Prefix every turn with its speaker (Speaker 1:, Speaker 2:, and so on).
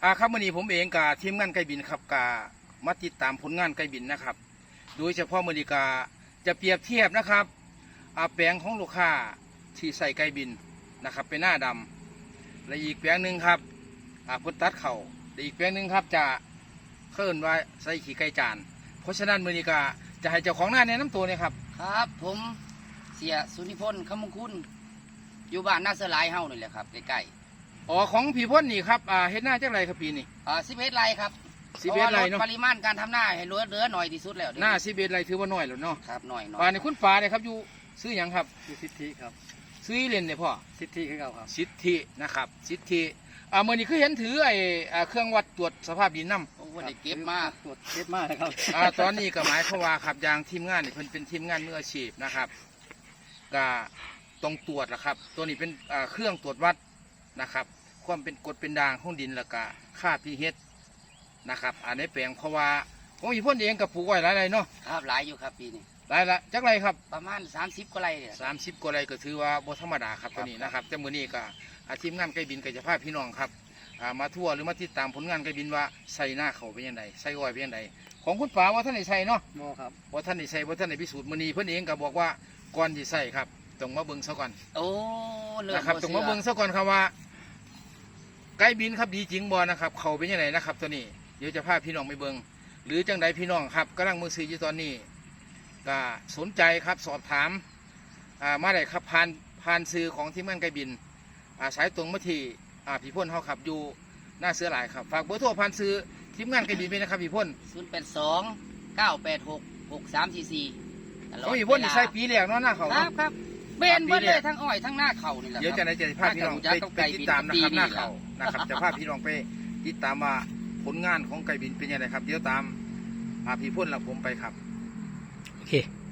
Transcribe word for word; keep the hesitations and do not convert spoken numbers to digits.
Speaker 1: อ่าครับวันนี้ผมเองกับทีมงานไก่บินครับกามาติดตามผลงานไก่บินนะครับโดยเฉพาะมือนีกาจะเปรียบเทียบนะครับอาแปลงของลูกค้าที่ใส่ไก่บินนะครับเป็นหน้าดำและอีกแปลงหนึ่งครับอ่าพุทตัดเข่าและอีกแปลงหนึ่งครับจะเคลื่อนไว้ใส่ขี่ไก่จานเพราะฉะนั้นมือนีกาจะให้เจ้าของหน้าแนะนำตัวเนี่ยครับ
Speaker 2: ครับผมเสียสุนิพนธ์คำมงคุณอยู่บ้านนาเสอหลายเฮานี่แหละครับใกล้
Speaker 1: อ๋อของพี่พ่นนี่ครับอ่าเฮ็ดหน้าจักไรครับปีนี้
Speaker 2: ๆอ่าสิบเอ็ดไร่ครับ
Speaker 1: สิบเอ็ดไร่เนาะ
Speaker 2: พราะว่าลดปริมาณการทำหน้าให้เหลือเหลือหน่อยที่สุดแล้ว
Speaker 1: หน้าสิบเอ็ดไรถือว่าน้อยแล้วเนาะ
Speaker 2: ครับหน่อยหน่อย
Speaker 1: ป่าในคุณป่าเนี่ยครับอยู่ซื้อหยังครับ
Speaker 3: อยู่สิทธิครับ
Speaker 1: ซื้อเล่นเนี่ยพ่อ
Speaker 3: สิทธิคือเก่าครับ
Speaker 1: สิทธินะครับสิทธิอ่าเมื่อนี้คือเห็นถือไอ้อ่าเครื่องวัดตรวจสภาพดินน้ำ
Speaker 2: โอ้วันนี้เก็บมา
Speaker 3: ตรวจเก็บมากนะครับ
Speaker 1: อ่าตอนนี้ก็หมายความว่าครับอย่างทีมงานนี่เพิ่นเป็นทีมงานมืออาชีพนะครับก็ต้องตรวจนะครับ ตัวนี้เป็นอ่าเครื่องตรวจวัดนะครับความเป็นกรดเป็นด่างของดินแล้วก็ค่าพีเอชนะครับอันนี้แปลงเพราะว่าของอีพ่นเองกับปลูกไว้หลายไรเนาะ
Speaker 2: ครับหลายอยู่ครับปีนี้
Speaker 1: หลายละจักไรครับ
Speaker 2: ประมาณสามสิบกว่าไร่เนี่ย
Speaker 1: สามสิบกว่าไรก็ถือว่าบ่ธรรมดาครับตัวนี้นะครับแต่มื้อนี้ก็อาทีมงานไก่บินก็จะพาพี่น้องครับอ่ามาทั่วหรือมาติดตามผลงานไก่บินว่าใส่หน้าเขาเป็นยังไงใส่อ้อยเป็นยังไงของคุณป๋าว่าท่านได้ใส่เนาะ
Speaker 3: โมครับ
Speaker 1: ว่าท่านได้ใส่ว่าท่านได้พิสูจน์มื้อนี้เพิ่นเองก็บอกว่าก่อนที่ใส่ครับต้องมาเบิ่งซะก่อน
Speaker 2: โอ้เริ่ม
Speaker 1: นะครับ
Speaker 2: บ่
Speaker 1: ต้อง
Speaker 2: ชื่
Speaker 1: มาเบิ่งซะก่อนครับว่าไก่บินครับดีจริงบ่นะครับเขาเป็นยังไงนะครับตัวนี้เดี๋ยวจะพาพี่น้องไปเบิ่งหรือจังใดพี่น้องครับกำลังมือซื้ออยู่ตอนนี้ก็สนใจครับสอบถามอ่ามาได้ครับผ่านผ่านซื้อของทีมงานไก่บินอ่าสายตรงมาที่อ่าพี่พ่นเขาขับอยู่หน้าเสือหลายครับฝากเบอร์โทรผ่านซื้อทีมงานไก่บินไปนะครับพี่พ่น
Speaker 2: ศูนย์แปดสองเก้าแปดหกหกสามสี่สี่ตลอด
Speaker 1: เขาพี่พ่นนี่
Speaker 2: เวลา
Speaker 1: ใส่ปีแรกเนาะหน้าเขา
Speaker 2: ครั
Speaker 1: เนาะ
Speaker 2: บครับเบนเบิดเลยทั้งอ้อยทั้งหน้าเข่านี่แหละ
Speaker 1: เดี๋ยว
Speaker 2: ค
Speaker 1: จะ
Speaker 2: รับ
Speaker 1: ได้จะพาพี่น้องไปไปติดตามนะครับหน้าเขานะครับจะพาพี่น้องไปติดตามว่าผลงานของไก่บินเป็นยังไงครับเดี๋ยวตามพาพี่พ่นและผมไปครับ
Speaker 3: โอเค